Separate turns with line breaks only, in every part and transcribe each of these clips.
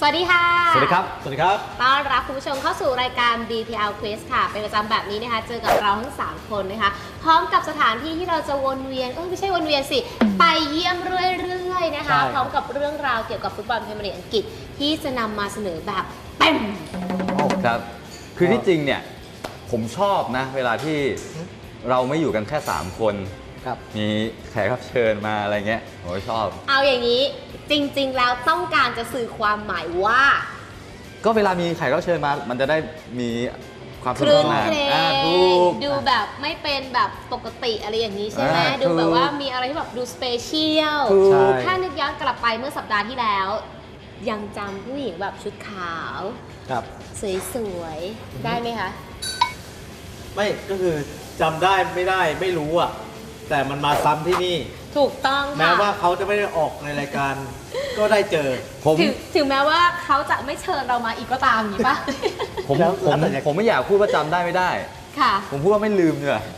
สวัสดีค่ะ
สวัสดีครับ
สวัสดีครับ
ต้อนรับคุณผู้ชมเข้าสู่รายการ BPL Quiz ค่ะเป็นประจำแบบนี้นะคะเจอกับเราทั้ง3คนนะคะพร้อมกับสถานที่ที่เราจะวนเวียนไม่ใช่วนเวียนสิไปเยี่ยมเรื่อยๆนะคะพร้อมกับเรื่องราวเกี่ยวกับฟุตบอลพรีเมียร์ลีกอังกฤษที่จะนำมาเสนอแบบเต็ม
ครับคือที่จริงเนี่ยผมชอบนะเวลาที่เราไม่อยู่กันแค่3คนมีแขกรับเชิญมาอะไรเงี้ยผมชอบ
เอาอย่างนี้จริงๆแล้วต้องการจะสื่อความหมายว่า
ก็เวลามีแขกรับเชิญมามันจะได้มีความ
สนุกสนานดูแบบไม่เป็นแบบปกติอะไรอย่างนี้ใช่ไหมดูแบบว่ามีอะไรที่แบบดูสเปเชียลถ้านึกย้อนกลับไปเมื่อสัปดาห์ที่แล้วยังจำผู้หญิงแบบชุดขาวสวยๆได้ไหมคะ
ไม่ก็คือจำได้ไม่ได้ไม่รู้อ่ะแต่มันมาซ้ำที่นี่
ถูกต้องค่ะ
แม้ว่าเขาจะไม่ได้ออกในรายการก็ได้เจอ
ถึงแม้ว่าเขาจะไม่เชิญเรามาอีกก็ตามอย่างนี้ปะ
ผมไม่อยากพูดว่าจำได้ไม่ได้
ค่ะ
ผมพูดว่าไม่ลืมเ
นี่ย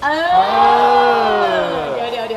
เดี๋ยว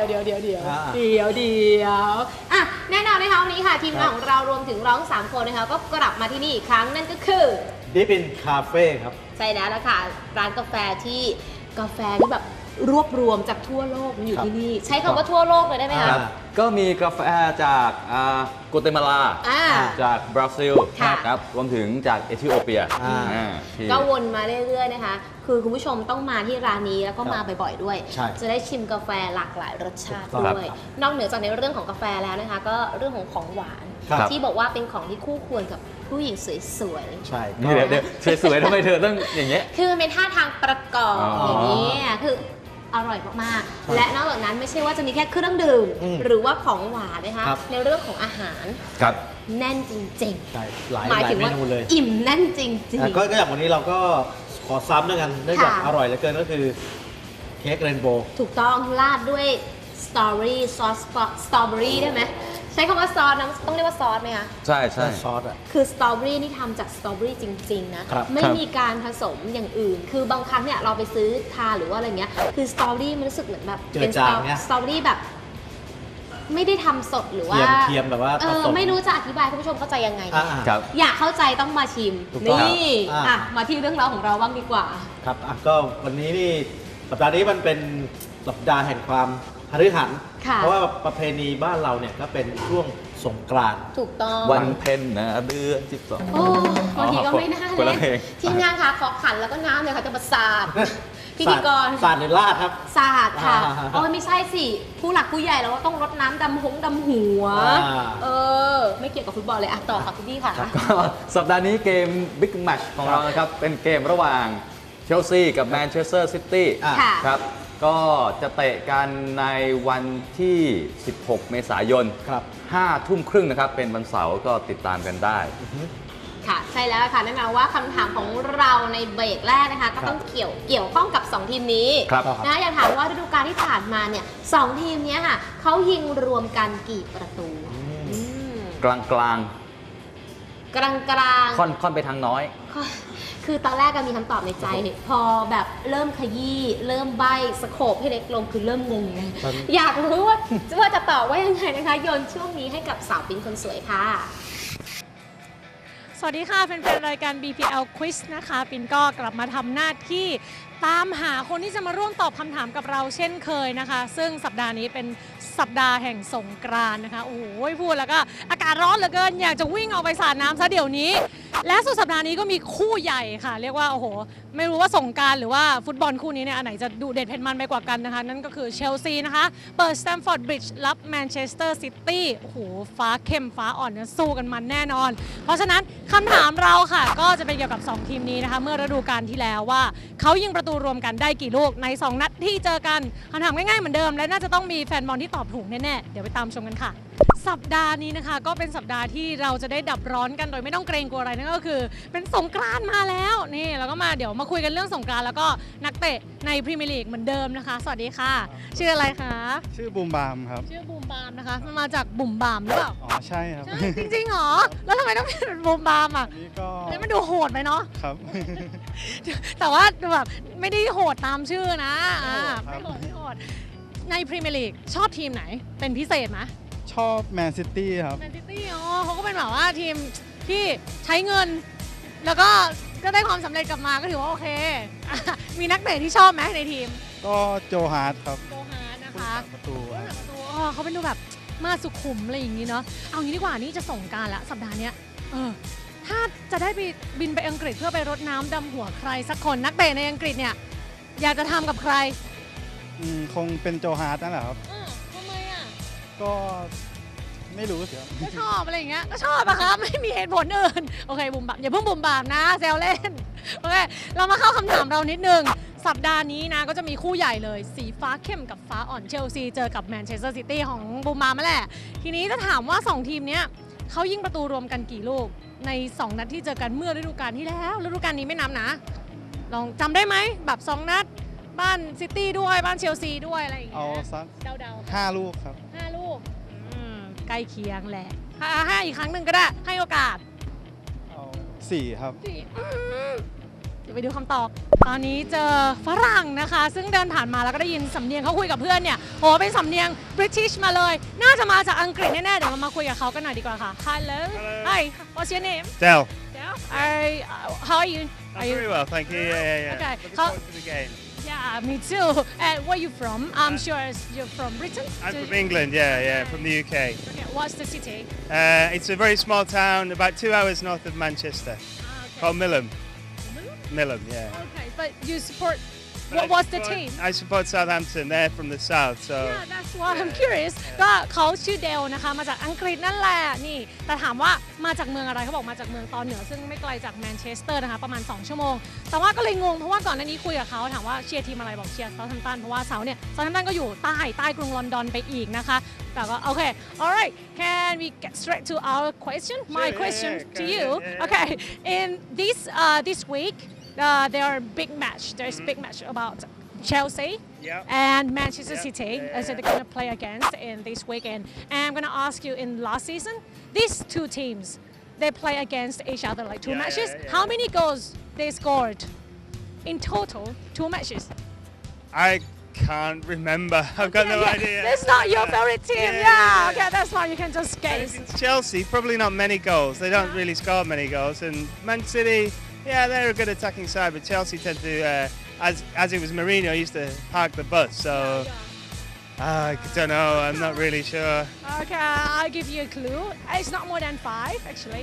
อ่ะแน่นอนนะคะวันนี้ค่ะทีมงานของเรารวมถึงเราทั้ง3คนนะคะก็กลับมาที่นี่อีกครั้งนั่นก็คือ
ดิปินคาเฟ่ครับ
ใช่แล้วล่ะค่ะร้านกาแฟที่แบบรวบรวมจากทั่วโลกมันอยู่ที่นี่ใช้คำว่าทั่วโลกเลยได้ไหมคะ
ก็มีกาแฟจากโกเตมาลาจากบราซิลครับรวมถึงจากเอธิโอเปีย
ก็วนมาเรื่อยๆนะคะคือคุณผู้ชมต้องมาที่ร้านนี้แล้วก็มาบ่อยๆด้วยจะได้ชิมกาแฟหลากหลายรสชาติด้วยนอกเหนือจากในเรื่องของกาแฟแล้วนะคะก็เรื่องของหวานที่บอกว่าเป็นของที่คู่ควรกับผู้หญิงสวย
ๆใช่
เดี๋ยวสวยๆทำไมเธอต้องอย่างเงี้ย
คือมันเป็นท่าทางประกอบอย่างนี้คืออร่อยมากๆและนอกจากนั้นไม่ใช่ว่าจะมีแค่เครื่องดื่มหรือว่าของหวานนะคะในเรื่องของอาหารแน่นจริง
ๆหมายถึงว่า
อิ่มแน่นจริง
ๆก็อย่างวันนี้เราก็ขอซ้ำด้วยกันเนื่องจากอร่อยเหลือเกินก็คือเค้กเรนโบว์
ถูกต้องราดด้วยสตรอเบอรี่ซอสสตรอเบอรี่ได้ไหมใช้คำว่าซอสนะต้องเรียกว่าซอสไหมคะ
ใช่
ซอสอ่ะ
คือสตรอเบอรี่นี่ทำจากสตรอเบอรี่จริงๆนะไม่มีการผสมอย่างอื่นคือบางครั้งเนี่ยเราไปซื้อทานหรือว่าอะไรเงี้ยคือสตรอเบอรี่มันรู้สึกเหมือนแบบ
เป็นสตรอ
เบอรี่แบบไม่ได้ทำสดหรือว่า
เทียมแบบว่า
ไม่รู้จะอธิบายให้คุณผู้ชมเข้าใจยังไงอยากเข้าใจต้องมาชิมนี่มาที่เรื่องราวของเราบ้างดีกว่า
ครับก็วันนี้นี่สัปดาห์นี้มันเป็นสัปดาห์แห่งความหฤหันเพราะว่าประเพณีบ้านเราเนี่ยก็เป็นช่วงสงกรานต์
ถูกต้อง
วันเพ็ญนะเดือน12
โอ้บางทีก็ไม่น่าเลยทีมงานค่ะขอขันแล้วก็น้ำเลยค่ะจะมาสาดพิธีกร
สาดในลาดครับ
สาดค่ะไม่ใช่สิผู้หลักผู้ใหญ่เราก็ต้องรดน้ำดำหัวไม่เกี่ยวกับฟุตบอลเลยต่อค่ะคุณพี่ค่ะ
ก็สัปดาห์นี้เกมบิ๊กแมตช์ของเรานะครับเป็นเกมระหว่างเชลซีกับแมนเชสเตอร์ซิตี้ครับก็จะเตะกันในวันที่ 16 เมษายน 5 ทุ่มครึ่งนะครับเป็นวันเสาร์ก็ติดตามกันได้
ค่ะใช่แล้วค่ะแน่นอนว่าคำถามของเราในเบรกแรกนะคะก็ต้องเกี่ยวข้องกับ2ทีมนี้นะอยากถามว่าฤดูกาลที่ผ่านมาเนี่ย2ทีมนี้ค่ะเขายิงรวมกันกี่ประตู
กลางค่อนไปทางน้อย
คือตอนแรกก็มีคำตอบในใจพอแบบเริ่มขยี้เริ่มใบ้สโคปให้เล็กลงคือเริ่มงงเลยอยากรู้ว่าจะตอบว่ายังไงนะคะโยนช่วงนี้ให้กับสาวปิ๊งคนสวยค่ะ
สวัสดีค่ะแฟนๆรายการ BPL Quiz นะคะปินก็กลับมาทำหน้าที่ตามหาคนที่จะมาร่วมตอบคำถามกับเราเช่นเคยนะคะซึ่งสัปดาห์นี้เป็นสัปดาห์แห่งสงกรานต์นะคะโอ้โหพูดแล้วก็อากาศร้อนเหลือเกินอยากจะวิ่งออกไปสาดน้ำซะเดี๋ยวนี้และสุดสัปดาห์นี้ก็มีคู่ใหญ่ค่ะเรียกว่าโอ้โหไม่รู้ว่าสงกรานต์หรือว่าฟุตบอลคู่นี้เนี่ยอันไหนจะดูเด็ดเผ็ดมันไปกว่ากันนะคะนั่นก็คือเชลซีนะคะเปิดสแตมฟอร์ดบริดจ์รับแมนเชสเตอร์ซิตี้โอ้โหฟ้าเข้มฟ้าอ่อนเนี่ยสู้กันมันแน่นอนเพราะฉะนั้นคำถามเราค่ะก็จะเป็นเกี่ยวกับ2ทีมนี้นะคะเมื่อฤดูกาลที่แล้วว่าเขายิงประตูรวมกันได้กี่ลูกใน2นัดที่เจอกันคำถามง่ายๆเหมือนเดิมและน่าจะต้องมีแฟนบอลที่ตอบถูกแน่ๆเดี๋ยวไปตามชมกันค่ะสัปดาห์นี้นะคะก็เป็นสัปดาห์ที่เราจะได้ดับร้อนกันโดยไม่ต้องเกรงกลัวอะไรนั่นก็คือเป็นสงกรานต์มาแล้วนี่แล้วก็เดี๋ยวมาคุยกันเรื่องสงกรานต์แล้วก็นักเตะในพรีเมียร์ลีกเหมือนเดิมนะคะสวัสดีค่ะชื่ออะไรคะ
ชื่อบูมบามครับ
ชื่อบูมบามนะคะมันมาจากบุ่มบามหรือเปล่า
อ๋อใช่ครับ
จริงๆหรอแล้วทำไมต้องเป็นบูมบามอ่ะ
นี่ก็
มันดูโหดไปเนาะ
ครับ
แต่ว่าแบบไม่ได้โหดตามชื่อนะไม่โหดในพรีเมียร์ลีกชอบทีมไหนเป็นพิเศษไหม
ชอบแมนซิตี้ครับ
แมนซิตี้อ๋อเขาก็เป็นแบบว่าทีมที่ใช้เงิน แล้วก็ได้ความสำเร็จกลับมาก็ถือว่าโอเคมีนักเตะที่ชอบไหมในทีม
ก็โจฮาร์ดครับ
โจฮาร์ดนะคะ
ประตู
เขาเป็นดูแบบมาสุขุมอะไรอย่างนี้เนาะเอางี้ดีกว่านี่จะส่งกรารละสัปดาห์เนี้ยถ้าจะได้ไปบินไปอังกฤษเพื่อไปรดน้ำดำหัวใครสักคนนักเตะในอังกฤษเนี่ยอยากจะทำกับใคร
คงเป็นโจฮาร์ดนั่นแหละครับ
ทำไมอ่ะ
ก็ไม่รู้สิครับ
ก็ชอบอะไรอย่างเงี้ยก็ชอบอะครับไม่มีเหตุผลอื่นโอเคบุมบามอย่าเพิ่งบุมบามนะแซวเล่นโอเคเรามาเข้าคำถามเรานิดนึงสัปดาห์นี้นะก็จะมีคู่ใหญ่เลยสีฟ้าเข้มกับฟ้าอ่อนเชลซีเจอกับแมนเชสเตอร์ซิตี้ของบุมบามมาแหละทีนี้จะถามว่า2ทีมเนี้ยเขายิงประตูรวมกันกี่ลูกใน2นัดที่เจอกันเมื่อฤดูกาลที่แล้วฤดูกาลนี้ไม่นับนะลองจำได้ไหมแบบ2นัดบ้านซิตี้ด้วยบ้านเชลซีด้วยอะไรอย่างเงี้
เอา
ย
สัก
เดา
5 ลูกครับ
5 ลูกใกล้เคียงแหละห้าอีกครั้งหนึ่งก็ได้ให้โอกาส
เอา4 ครับ
เดี๋ยวไปดูคำตอบ ตอนนี้เจอฝรั่งนะคะ ซึ่งเดินผ่านมาแล้วก็ได้ยินสำเนียงเขาคุยกับเพื่อนเนี่ยโหเป็นสำเนียงบริติชมาเลย น่าจะมาจากอังกฤษแน่ๆ เดี๋ยวเรามาคุยกับเขากันหน่อยดีกว่าค่ะ Hello Hi What's your name
Del.
Del How are you
I'm very well, thank you. Yeah.
Okay.
Looking forward to the game.
Yeah me too and where are you from I'm sure you're from Britain
I'm from England, yeah, from the UK.
Okay what's the city
It's a very small town, about 2 hours north of Manchester,
okay.
called Millom. Millom, yeah.
Okay but you support what's the team
I support Southampton. They're from the south, so.
Yeah, that's why I'm curious ก็เขาชื่อเดลนะคะมาจากอังกฤษนั่นแหละนี่แต่ถามว่ามาจากเมืองอะไรเขาบอกมาจากเมืองตอนเหนือซึ่งไม่ไกลจากแมนเชสเตอร์นะคะประมาณ2ชั่วโมงแต่ว่าก็เลยงงเพราะว่าก่อนหน้านี้คุยกับเขาถามว่าเชียร์ทีมอะไรบอกเชียร์เซาท์แฮมป์ตันเพราะว่าเซาท์เนี่ยเซาท์แฮมป์ตันก็อยู่ใต้กรุงลอนดอนไปอีกนะคะแต่ก็โอเค alright can we get straight to our question my
Sure,
question
yeah,
to
yeah,
you
yeah.
okay in this week there are big match there's big match about Chelsea
Yeah.
and Manchester
Yeah.
City
Yeah.
as they're going to play against in this weekend. And I'm going to ask you in last season, these two teams, they play against each other like two
Yeah,
matches.
yeah, yeah.
How many goals they scored in total? 2 matches.
I can't remember. I've got no idea.
That's not your favorite team. Yeah. Okay, that's fine. You can just guess.
It's Chelsea, probably not many goals. They don't really score many goals. And Man City, yeah, they're a good attacking side, but Chelsea tend to, as it was Mourinho, used to park the bus. So I don't know. I'm not really sure.
Okay, I'll give you a clue. It's not more than 5 actually.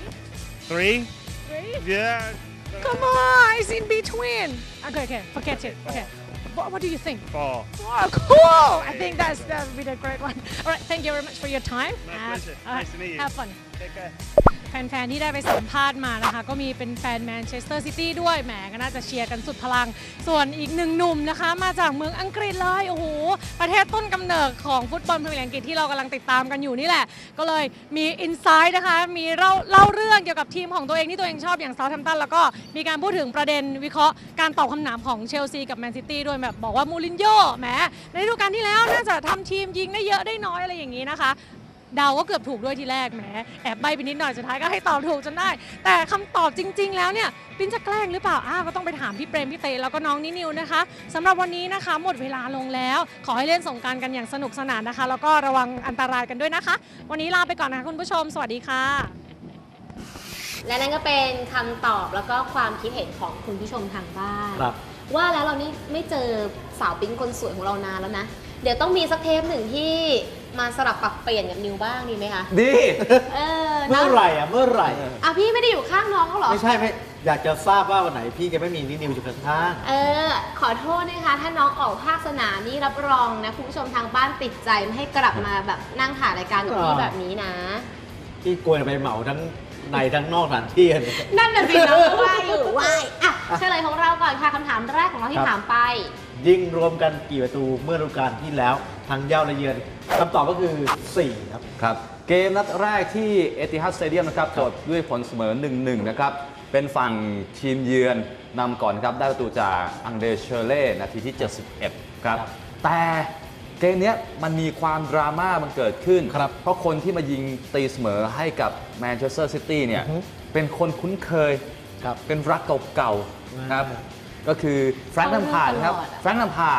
3?
3?
Yeah.
Come on, it's in between. Okay, forget it. Okay. What do you think?
4.
Oh, cool! I think that would be a great one. All right, thank you very much for your time.
My pleasure. Nice to meet you.
Have fun.
Take care.
แฟนๆที่ได้ไปสัมภาษณ์มานะคะก็มีเป็นแฟนแมนเชสเตอร์ซิตี้ด้วยแหมก็น่าจะเชียร์กันสุดพลังส่วนอีกหนึ่งหนุ่มนะคะมาจากเมืองอังกฤษเลยโอ้โหประเทศต้นกำเนิดของฟุตบอลพรีเมียร์ลีกอังกฤษที่เรากำลังติดตามกันอยู่นี่แหละก็เลยมีอินไซด์นะคะมีเล่าเรื่องเกี่ยวกับทีมของตัวเองที่ตัวเองชอบอย่างเซาท์แฮมป์ตันแล้วก็มีการพูดถึงประเด็นวิเคราะห์การตอบคำถามของเชลซีกับแมนซิตี้ด้วยแบบบอกว่ามูรินโญ่แหมในฤดูกาลที่แล้วน่าจะทำทีมยิงได้เยอะได้น้อยอะไรอย่างนี้นะคะเดาก็เกือบถูกด้วยทีแรกแหมแอบใบไปนิดหน่อยสุดท้ายก็ให้ตอบถูกจนได้แต่คำตอบจริงๆแล้วเนี่ยปินจะแกล้งหรือเปล่าก็ต้องไปถามพี่เปรมพี่เตแล้วก็น้องนินิวนะคะสำหรับวันนี้นะคะหมดเวลาลงแล้วขอให้เล่นสงกรานต์กันอย่างสนุกสนานนะคะแล้วก็ระวังอันตรายกันด้วยนะคะวันนี้ลาไปก่อนนะคะคุณผู้ชมสวัสดีค่ะและนั่นก็เป็นคำตอบแล้วก็ความคิดเห็นของคุณผู้ชมทางบ้านว่าแล้วเรานี่ไม่เจอสาวปิ๊งคนสวยของเรานานแล้วนะเดี๋ยวต้องมีสักเทปหนึ่งที่มาสลับปรับเปลี่ยนกับนิวบ้างดีไหมคะ
ดี
เมื่อไหร่
พี่ไม่ได้อยู่ข้างน้องเขาหรอ
ไม่ใช่อยากจะทราบว่าวันไหนพี่จะไม่มีนิวอยู่ข้าง
ขอโทษนะคะถ้าน้องออกภาคสนามนี่รับรองนะคุณผู้ชมทางบ้านติดใจไม่ให้กลับมาแบบนั่งถ่ายรายการกับพี่แบบนี้นะ
พี่กลัวจะไปเหมาทั้งในทั้งนอกสถานที่
นั่นน่ะสิน้องก็ว่าอยู่เฉลยของเราก่อนค่ะคำถามแรกของเราที่ถามไป
ยิงรวมกันกี่ประตูเมื่อฤดูกาลที่แล้วทั้งเย้าและเยือนคำตอบก็คือ4ครับ
เกมนัดแรกที่เอติฮัดสเตเดียมนะครับจบด้วยผลเสมอ 1-1 นะครับเป็นฝั่งทีมเยือนนำก่อนครับได้ประตูจากอังเดรเชอร์เล่นาทีที่71ครับแต่เกมนี้มันมีความดราม่ามันเกิดขึ้นเพราะคนที่มายิงตีเสมอให้กับแมนเชสเตอร์ซิตี้เนี่ยเป็นคนคุ้นเคยเป็นรักเก่าๆครับก็คือแฟรงค์ แลมพาร์ดครับแฟรงค์ แลมพาร์ด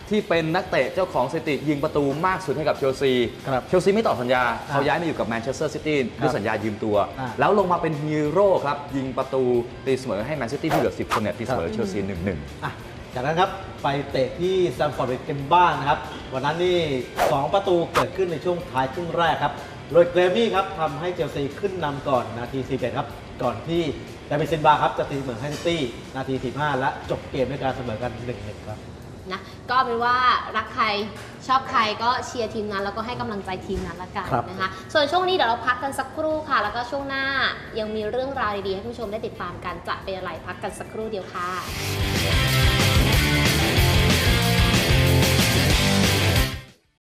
ที่เป็นนักเตะเจ้าของสถิติยิงประตูมากสุดให้กับเชลซี
ครับ
เชลซีไม่ต่อสัญญาเขาย้ายมาอยู่กับแมนเชสเตอร์ซิตี้ด้วยสัญญายืมตัว แล้วลงมาเป็นฮีโร่ครับยิงประตูตีเสมอให้แมนซิตี้ที่เหลือ10 คนเนี่ยตีเสมอเชลซี 1-1
อ่ะจากนั้นครับไปเตะที่แซมฟอร์ดบริดจ์กันบ้างนะครับวันนั้นนี่2ประตูเกิดขึ้นในช่วงท้ายครึ่งแรกครับโดยเกรมี่ครับทำให้เชลซีขึ้นนำก่อนนาที47ครับก่อนที่ดาวิดซินบาครับจะตีเสมอให้ซิตี้นาที45และจบเกมด้วยการเสมอกัน 1-1 ครับ
นะก็เป็นว่ารักใครชอบใครก็เชียร์ทีมนั้นแล้วก็ให้กำลังใจทีมนั้นละกันนะคะส่วนช่วงนี้เดี๋ยวเราพักกันสักครู่ค่ะแล้วก็ช่วงหน้ายังมีเรื่องราวดีๆให้ผู้ชมได้ติดตามกันจะเป็นอะไรพักกันสักครู่เดียวค่ะ